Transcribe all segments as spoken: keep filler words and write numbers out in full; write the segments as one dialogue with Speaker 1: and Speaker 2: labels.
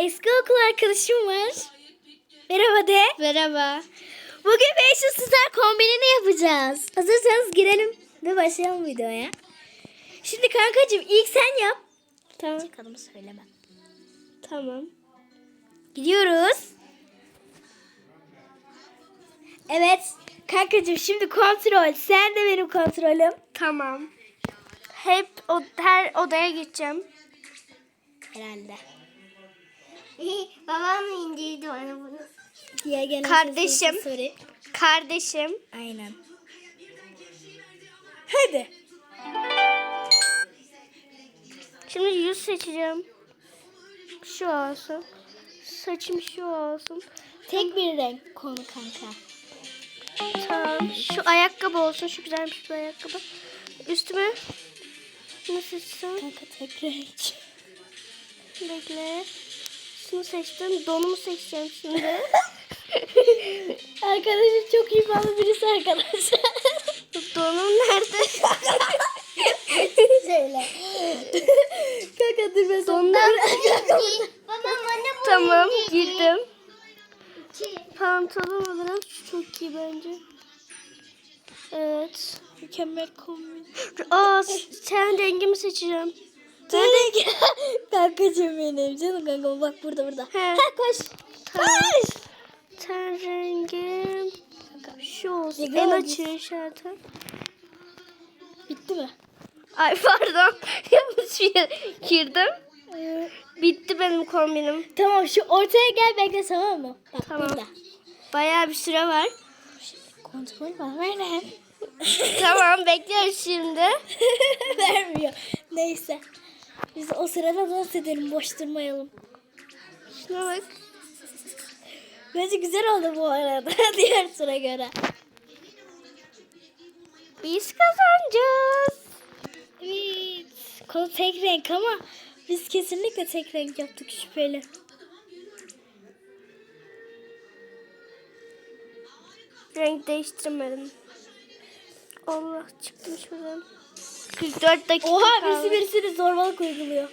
Speaker 1: eski okul arkadaşım var. Merhaba de.
Speaker 2: Merhaba.
Speaker 1: Bugün beş yüz Star kombinini yapacağız. Hazırsanız girelim ve başlayalım videoya. Şimdi kankacığım ilk sen yap.
Speaker 2: Tamam.
Speaker 1: Çıkalımı söyleme.
Speaker 2: Tamam.
Speaker 1: Gidiyoruz. Evet. Kankacığım şimdi kontrol. Sen de benim kontrolüm.
Speaker 2: Tamam. Hep o, her odaya gideceğim.
Speaker 1: Herhalde.
Speaker 2: Babam indirdi bana bunu.
Speaker 1: Diye gelen
Speaker 2: Kardeşim.
Speaker 1: sesi sorayım.
Speaker 2: Kardeşim.
Speaker 1: Aynen. Hadi.
Speaker 2: Şimdi yüz seçeceğim. Şu olsun. Saçım şu olsun.
Speaker 1: Tek bir renk konu kanka.
Speaker 2: Tamam. Şu ayakkabı olsun. Şu güzelmiş bir ayakkabı. Üstüme ne seçsem?
Speaker 1: Kanka tek renk.
Speaker 2: Bekle. Şunu seçtim. Donumu seçeceğim şimdi.
Speaker 1: Arkadaşım çok iyi bağlı birisi arkadaşlar.
Speaker 2: Donum nerede?
Speaker 1: Söyle. Kanka dur ben sana.
Speaker 2: Donum.
Speaker 1: Babam anne bu.
Speaker 2: Tamam girdim. Pantolon olarak şu çok iyi bence. Evet.
Speaker 1: Mükemmel kombin.
Speaker 2: Aa, sen rengimi seçeceğim.
Speaker 1: Nerede? Kankacığım benim canım kanka bak burada burada.
Speaker 2: He.
Speaker 1: Ha koş.
Speaker 2: Tamam.
Speaker 1: Koş.
Speaker 2: Ten rengim şu olsun.
Speaker 1: Güzel
Speaker 2: En
Speaker 1: oldu.
Speaker 2: açığı zaten.
Speaker 1: Bitti mi?
Speaker 2: Ay pardon. Yanlış bir yere girdim.
Speaker 1: Ee,
Speaker 2: Bitti benim kombinim.
Speaker 1: tamam şu ortaya gel bekle tamam mı? Bak
Speaker 2: Tamam.
Speaker 1: burada.
Speaker 2: Bayağı bir süre var.
Speaker 1: Kontrol var ver.
Speaker 2: Tamam bekliyoruz şimdi.
Speaker 1: Vermiyor. Neyse. Biz o sırada dans edelim boş durmayalım.
Speaker 2: Şuna bak.
Speaker 1: Bence güzel oldu bu arada diğer sıra göre.
Speaker 2: Biz kazanacağız.
Speaker 1: Evet. Konu tek renk ama biz kesinlikle tek renk yaptık şüpheli.
Speaker 2: Renk değiştirmedim. Allah çıktım şuradan. kırk dört dakika
Speaker 1: Oha
Speaker 2: kaldı.
Speaker 1: birisi birisini zorbalık uyguluyor.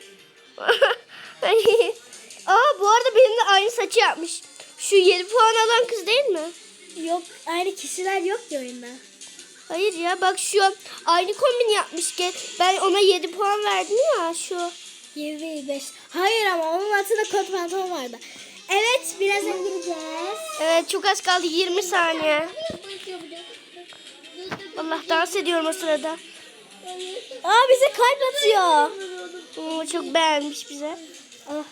Speaker 2: Aa bu arada benimle aynı saçı yapmış. Şu yedi puan alan kız değil mi?
Speaker 1: Yok aynı kişiler yok ki oyunda.
Speaker 2: Hayır ya bak şu aynı kombin yapmış ki ben ona yedi puan verdim ya şu.
Speaker 1: yedi beş. Hayır ama onun altında kot pantolon vardı. Evet birazdan gireceğiz.
Speaker 2: Evet çok az kaldı yirmi saniye. Allah dans ediyorum o sırada.
Speaker 1: Aa bize kalp atıyor.
Speaker 2: Oo, çok beğenmiş bize.
Speaker 1: Ah.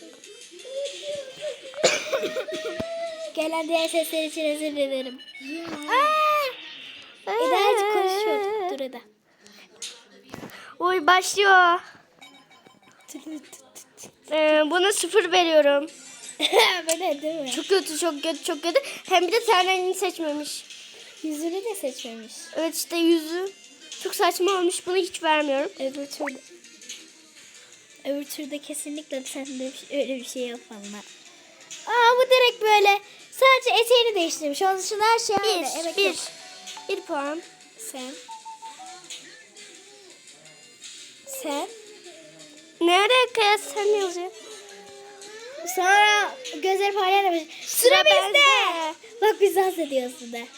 Speaker 1: Gelen diğer sesler için özür dilerim. Aa! Eda hadi konuşuyor. Dur Eda.
Speaker 2: Oy başlıyor. Ee, buna sıfır veriyorum.
Speaker 1: Böyle değil mi?
Speaker 2: Çok kötü çok kötü çok kötü. Hem bir de ten rengini seçmemiş.
Speaker 1: Yüzünü de seçmemiş.
Speaker 2: Evet işte yüzü çok saçma olmuş. Bunu hiç vermiyorum.
Speaker 1: Öbür türde. Öbür türde kesinlikle sen de bir şey- öyle bir şey yapma. Aa bu direkt böyle sadece eteğini değiştirmiş. Onun dışında her şey aynı.
Speaker 2: Bir,
Speaker 1: Evet,
Speaker 2: bir.
Speaker 1: yok.
Speaker 2: Bir puan.
Speaker 1: Sen. Sen.
Speaker 2: Nereye kıyas sen yazıyor?
Speaker 1: Sonra gözleri parlayan da Sıra,
Speaker 2: Sıra
Speaker 1: bizde.
Speaker 2: bende.
Speaker 1: Bak biz dans ediyoruz de.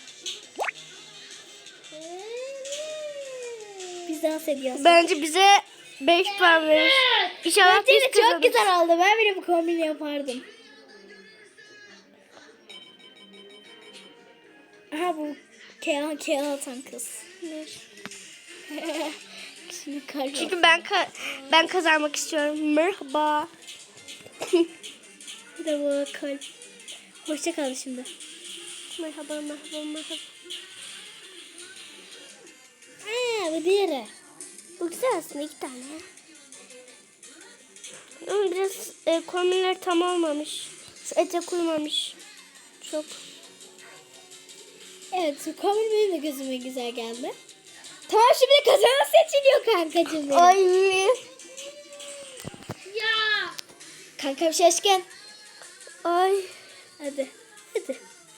Speaker 1: Biz dans ediyoruz.
Speaker 2: Bence bize beş puan verir. İnşallah
Speaker 1: Bence de
Speaker 2: biz
Speaker 1: çok
Speaker 2: kazanırız.
Speaker 1: güzel oldu. Ben bile bu kombini yapardım. Aha bu Kehan Kehan atan kız. Şimdi kalp.
Speaker 2: Çünkü ben ka- ben kazanmak istiyorum. Merhaba.
Speaker 1: Bir de bu kalp. Hoşça kal şimdi.
Speaker 2: Merhaba merhaba merhaba.
Speaker 1: Aa bu diğeri.
Speaker 2: Bu güzel aslında iki tane. Ama biraz e, kombinler tam olmamış. Etek uymamış. Çok.
Speaker 1: Evet kombin benim de gözüme güzel geldi. Tamam şimdi kazanan seçiliyor kankacığım benim.
Speaker 2: Ay.
Speaker 1: Ya. Kankam şaşkın.
Speaker 2: Ay.
Speaker 1: Hadi. Hadi.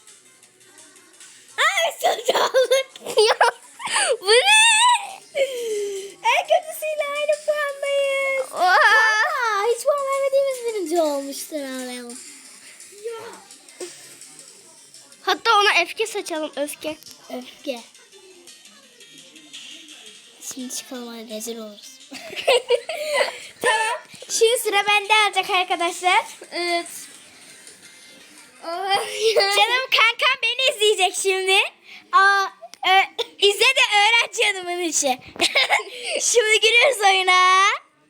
Speaker 1: Aa sonucu aldık.
Speaker 2: Ya bu ne?
Speaker 1: En kötüsüyle aynı puandayız.
Speaker 2: Oha.
Speaker 1: Aa, hiç puan vermediğimiz birinci olmuş.
Speaker 2: zaman öfke saçalım öfke.
Speaker 1: Öfke. Şimdi çıkalım hadi rezil oluruz. Tamam. Şimdi sıra bende alacak arkadaşlar.
Speaker 2: Evet.
Speaker 1: Canım kankam beni izleyecek şimdi. Aa, ö, izle de öğren canımın içi. Şimdi giriyoruz oyuna.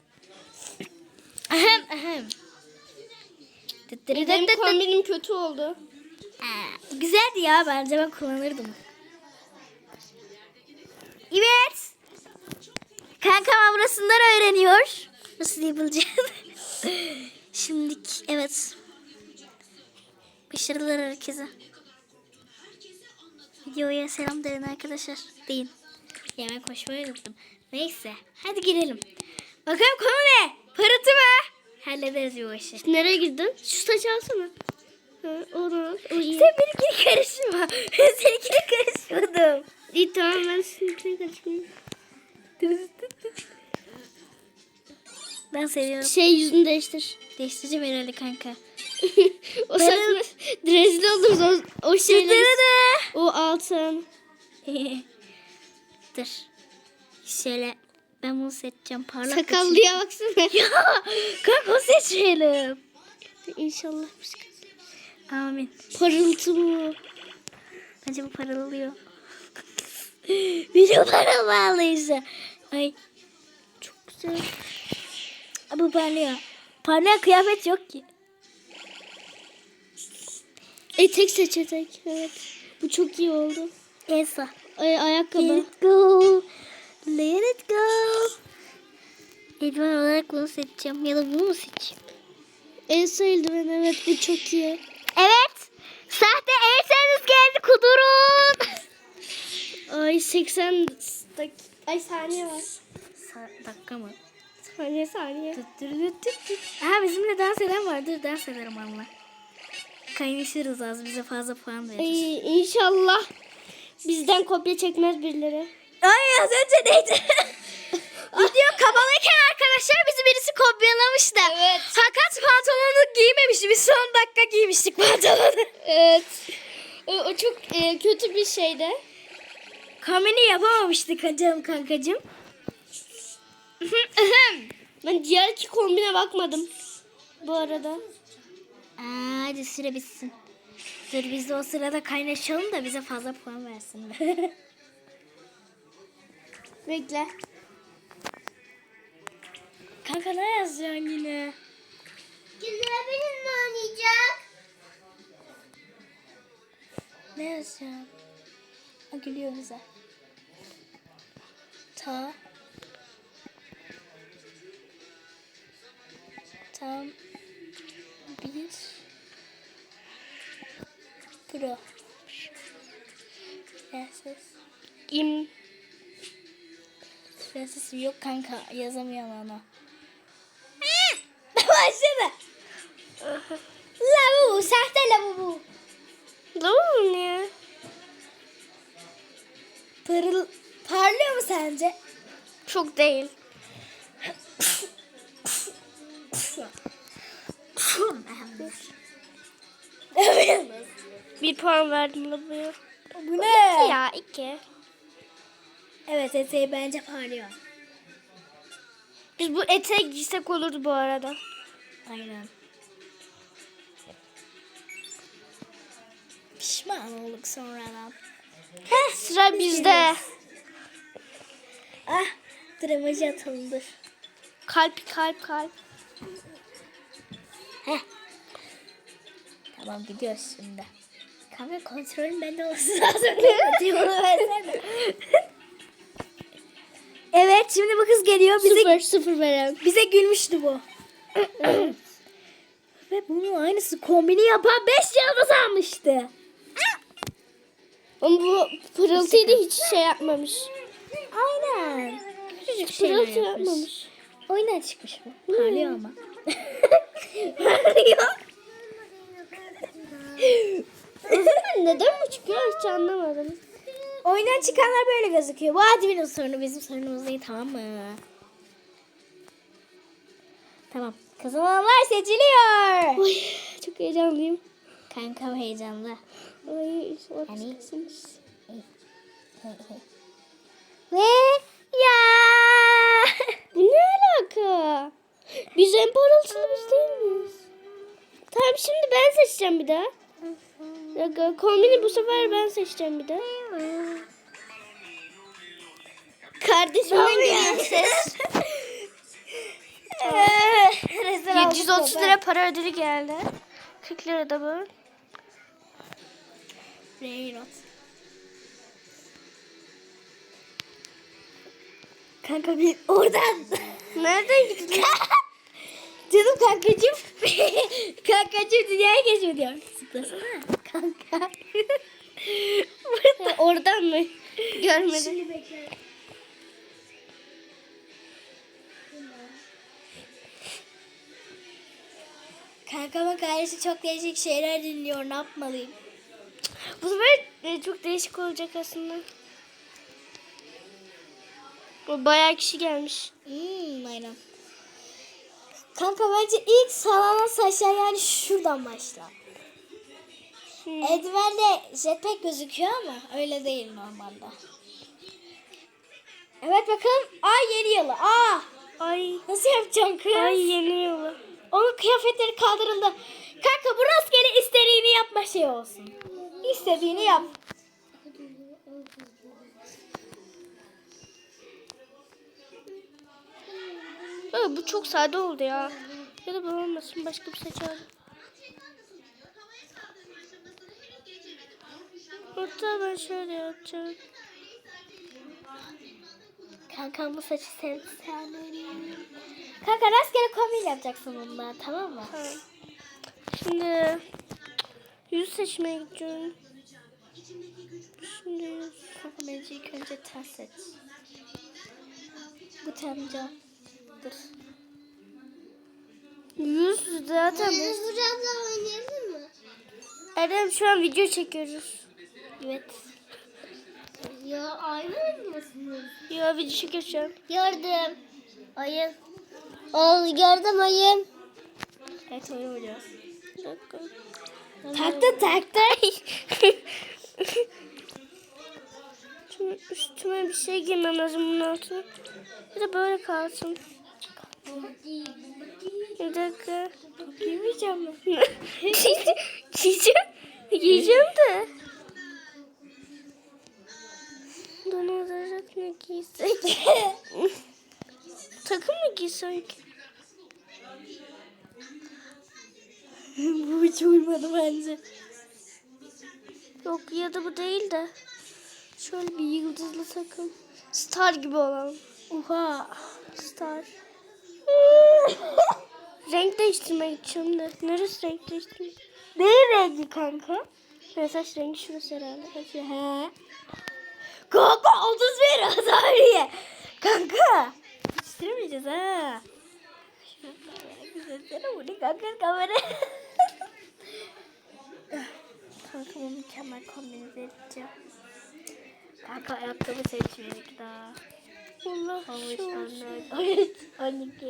Speaker 1: Ahem ahem.
Speaker 2: Benim kombinim kötü oldu.
Speaker 1: Aa, güzeldi ya, bence ben kullanırdım. Evet. Kankam burasından öğreniyor. Nasıl yapılacağını. Şimdi evet. Başarılar herkese. Videoya selam deyin arkadaşlar. Deyin. Yemek koşmayı unuttum. Neyse. Hadi girelim. Bakalım konu ne? Parıltı mı? Hallederiz bu işi.
Speaker 2: Nereye girdin? Şu saçı alsana. Ha, onu. O iyi.
Speaker 1: Sen benimkine karışma. Ben seninkine karışmadım.
Speaker 2: İyi tamam ben seninkine karışmayayım.
Speaker 1: Ben seviyorum.
Speaker 2: Şey yüzünü değiştir.
Speaker 1: Değiştireceğim herhalde kanka.
Speaker 2: O saçma. Rezil oluruz o, o şeyler.
Speaker 1: Çıtırdı.
Speaker 2: O altın.
Speaker 1: Dur. Şöyle ben bunu seçeceğim. Parlak
Speaker 2: Sakallıya baksana.
Speaker 1: ya kanka seçelim.
Speaker 2: İnşallah bir şey.
Speaker 1: Amin.
Speaker 2: Parıltı mı?
Speaker 1: Bence bu paralıyor. Video paralıysa. Ay çok güzel. Bu parlıyor. Parlayan kıyafet yok ki.
Speaker 2: Etek seç etek. Evet. Bu çok iyi oldu.
Speaker 1: Elsa.
Speaker 2: Ay, ayakkabı.
Speaker 1: Let it go. Let it go. Eldiven olarak bunu seçeceğim. Ya da bunu mu seçeyim?
Speaker 2: Elsa eldiven evet bu çok iyi.
Speaker 1: Evet. Sahte Elsa'nız geldi, kudurun.
Speaker 2: Ay seksen dak ay saniye var.
Speaker 1: Sa- dakika mı?
Speaker 2: Saniye saniye.
Speaker 1: Tut, tut, tut, tut, tut. Aha bizimle dans eden vardır. Dans ederim onunla. Kaynaşırız az. Bize fazla puan verir.
Speaker 2: Ay, inşallah bizden kopya çekmez birileri.
Speaker 1: Ay az önce neydi? Video kabalıyken arkadaşlar bizi birisi kopyalamıştı.
Speaker 2: Evet.
Speaker 1: Fakat pantolonu giymemişti. Biz son dakika giymiştik pantolonu.
Speaker 2: Evet. O, o çok e, kötü bir şeydi.
Speaker 1: Kombini yapamamıştık canım kankacığım.
Speaker 2: Ben diğer iki kombine bakmadım. Bu arada.
Speaker 1: Aa, hadi süre bitsin. Dur biz de o sırada kaynaşalım da bize fazla puan versinler.
Speaker 2: Bekle.
Speaker 1: Kanka ne yazacaksın yine?
Speaker 2: Güzel benim mi oynayacak?
Speaker 1: Ne yazacağım? O gülüyor bize. Ta. Tam. Bir. Pro. Prenses.
Speaker 2: İm.
Speaker 1: Prensesim yok kanka. Yazamıyorum onu. Başladı. Lavu. Sahte lavu.
Speaker 2: Tamam ya.
Speaker 1: Parıl, parlıyor mu sence?
Speaker 2: Çok değil. Bir puan verdim la bu.
Speaker 1: Bu ne?
Speaker 2: Ya iki.
Speaker 1: Evet eteği bence parlıyor.
Speaker 2: Biz bu eteği giysek olurdu bu arada.
Speaker 1: Aynen. Pişman olduk sonradan.
Speaker 2: Heh, sıra bizde.
Speaker 1: Ah, dramacı atıldı.
Speaker 2: Kalp kalp kalp.
Speaker 1: Heh. Tamam gidiyoruz şimdi. Kanka kontrolün bende olsun lazım. Diyorum versene. Evet şimdi bu kız geliyor. Bize,
Speaker 2: Sıfır sıfır veren.
Speaker 1: bize gülmüştü bu. Ve bunun aynısı kombini yapan beş yıldız almıştı.
Speaker 2: Ama bu pırıltıyı da hiç şey yapmamış.
Speaker 1: Aynen. Küçücük şeyler
Speaker 2: Pırıltı
Speaker 1: yapmış.
Speaker 2: yapmamış.
Speaker 1: Oyuna çıkmış bu. Parlıyor ama. Parlıyor.
Speaker 2: Neden bu çıkıyor hiç anlamadım.
Speaker 1: Oyundan çıkanlar böyle gözüküyor. Bu adminin sorunu, bizim sorunumuz değil, tamam mı? Tamam. Kazananlar seçiliyor.
Speaker 2: Oy, çok heyecanlıyım.
Speaker 1: Kankam heyecanlı.
Speaker 2: Ay,
Speaker 1: Yani-
Speaker 2: ortasınız.
Speaker 1: Ve ya.
Speaker 2: Bu ne alaka? Biz en parıltılı biz değil miyiz? Tamam şimdi ben seçeceğim bir daha. Bir dakika, kombini bu sefer ben seçeceğim bir daha. Kardeşimden geliyor ses.
Speaker 1: Rezil
Speaker 2: yedi yüz otuz
Speaker 1: olduk
Speaker 2: lira para ödülü geldi. kırk lira da bu.
Speaker 1: Reynot. Kanka bir oradan.
Speaker 2: Nereden gidiyor?
Speaker 1: Canım kankacığım. Kankacığım dünyaya geçiyor diyor. Zıplasana. Kanka.
Speaker 2: Ha, oradan mı? Görmedim.
Speaker 1: Şimdi bekle. Kankama kardeşi çok değişik şeyler dinliyor. Ne yapmalıyım?
Speaker 2: Bu sefer e, çok değişik olacak aslında. O bayağı kişi gelmiş.
Speaker 1: Hmm, aynen. Kanka bence ilk sallanan saçlar yani şuradan başla.
Speaker 2: Hmm.
Speaker 1: Eldivende jetpack gözüküyor ama öyle değil normalde. Evet bakalım. Aa yeni yılı. Aa
Speaker 2: Ay.
Speaker 1: nasıl yapacağım kız?
Speaker 2: Ay yeni yolu.
Speaker 1: Onun kıyafetleri kaldırıldı. Kanka bu rastgele istediğini yapma şey olsun. İstediğini yap.
Speaker 2: Aa, bu çok sade oldu ya. Ya da bu olmasın, başka bir saç alalım. Hatta ben şöyle yapacağım.
Speaker 1: Kankam bu saçı sevdi sen. Kanka rastgele kombin yapacaksın bundan tamam mı?
Speaker 2: Tamam. Şimdi yüz seçmeye gideceğim. Şimdi yüz.
Speaker 1: Kanka bence ilk önce ten seç. Bu temca. Dur.
Speaker 2: Yüz zaten.
Speaker 1: abla oynayalım mı?
Speaker 2: Erdem şu an video çekiyoruz.
Speaker 1: Evet. Ya aynı oynuyorsunuz.
Speaker 2: Ya video çekiyoruz şu an.
Speaker 1: Gördüm. Ayın. Ol gördüm ayın. Evet oyun oynuyoruz.
Speaker 2: Bir dakika.
Speaker 1: Taktı taktı.
Speaker 2: Şimdi üstüme bir şey giymem lazım bunun altına. Bir de böyle kalsın. Bir dakika.
Speaker 1: Giymeyeceğim mi?
Speaker 2: Giyeceğim. Giyeceğim de. Don olarak ne giysek? Takım mı giysek?
Speaker 1: Bu hiç uymadı bence.
Speaker 2: Yok ya da bu değil de. Şöyle bir yıldızlı takım. Star gibi olan.
Speaker 1: Oha.
Speaker 2: Star. Renk değiştirmeye gideceğim de. Neresi renk değiştirmek?
Speaker 1: Ne rengi kanka?
Speaker 2: Ben saç rengi şurası herhalde.
Speaker 1: He. Kanka otuz bir Azariye. Kanka. Yetiştiremeyeceğiz ha. Güzelsene bu ne kanka kamera. Kanka bu mükemmel kombinize edeceğim. Kanka ayakkabı seçmedik daha.
Speaker 2: Allah
Speaker 1: on üç,
Speaker 2: şu
Speaker 1: on
Speaker 2: olsun.
Speaker 1: dört, on üç, on iki,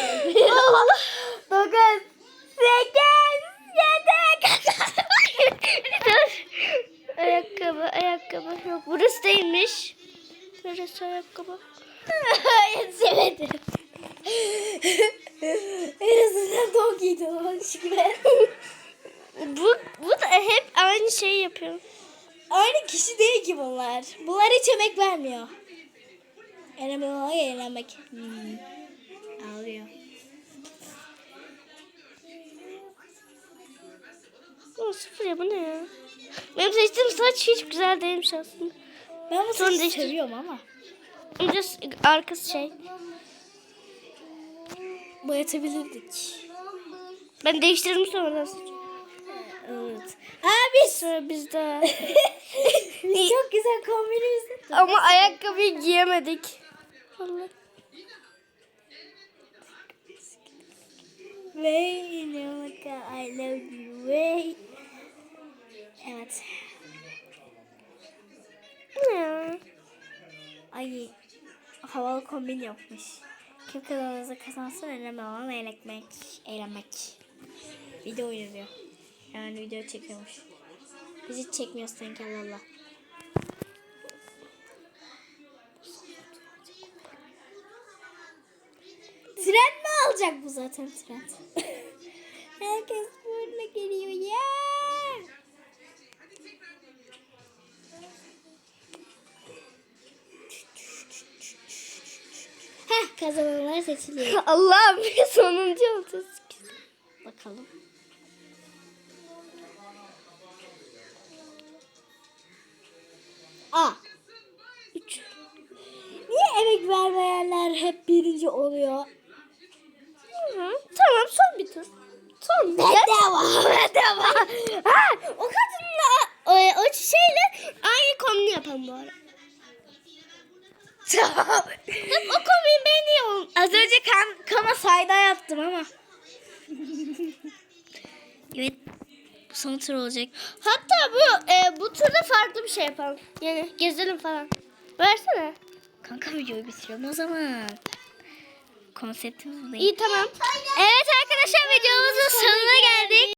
Speaker 1: dokuz, sekiz, yedi.
Speaker 2: Dur. Ayakkabı, ayakkabı. Yok burası değilmiş. Neresi ayakkabı?
Speaker 1: Yetişemedim. En azından don giydi o şükür.
Speaker 2: Bu, bu da hep aynı şeyi yapıyor.
Speaker 1: Aynı kişi değil ki bunlar. Bunlar hiç emek vermiyor. Eğlenmek olmak eğlenmek. Hmm. Ağlıyor.
Speaker 2: O sıfır ya, bu ne ya? Benim seçtiğim saç hiç güzel değilmiş aslında.
Speaker 1: Ben bu
Speaker 2: Sonra
Speaker 1: saçı
Speaker 2: değiştir.
Speaker 1: seviyorum ama.
Speaker 2: Önce arkası şey.
Speaker 1: Boyatabilirdik.
Speaker 2: Ben değiştirdim sonradan saçı.
Speaker 1: Evet. Abi.
Speaker 2: Sonra biz de.
Speaker 1: Çok güzel kombinimiz.
Speaker 2: Ama ayakkabıyı giyemedik. Allah.
Speaker 1: Way in your car, I love you way. Evet.
Speaker 2: Bu ne ya?
Speaker 1: Ay havalı kombin yapmış. Kim kazanırsa kazansın önemli olan eğlenmek. Eğlenmek. Video oynuyor. Yani video çekiyormuş. Biz hiç çekmiyoruz sanki Allah Allah. Tren mi alacak bu zaten tren? Herkes böyle geliyor ya. Heh, kazananlar seçiliyor.
Speaker 2: Allah'ım sonuncu olacağız.
Speaker 1: Bakalım. A.
Speaker 2: Üç.
Speaker 1: Niye emek vermeyenler hep birinci oluyor?
Speaker 2: Hı, tamam son bir tur. Son.
Speaker 1: Bedava, bedava.
Speaker 2: Ha, o kadınla o, o şeyle aynı kombini yapalım bu ara.
Speaker 1: Tamam.
Speaker 2: O kombini beğeniyorum.
Speaker 1: Az önce kan, kama sayda yaptım ama. Evet. Bu son tur olacak.
Speaker 2: Hatta bu e, bu turda farklı bir şey yapalım. Yani gezelim falan. Versene.
Speaker 1: Kanka videoyu bitiriyorum o zaman. Konseptimiz bu değil.
Speaker 2: İyi tamam.
Speaker 1: Evet arkadaşlar videomuzun sonuna geldik.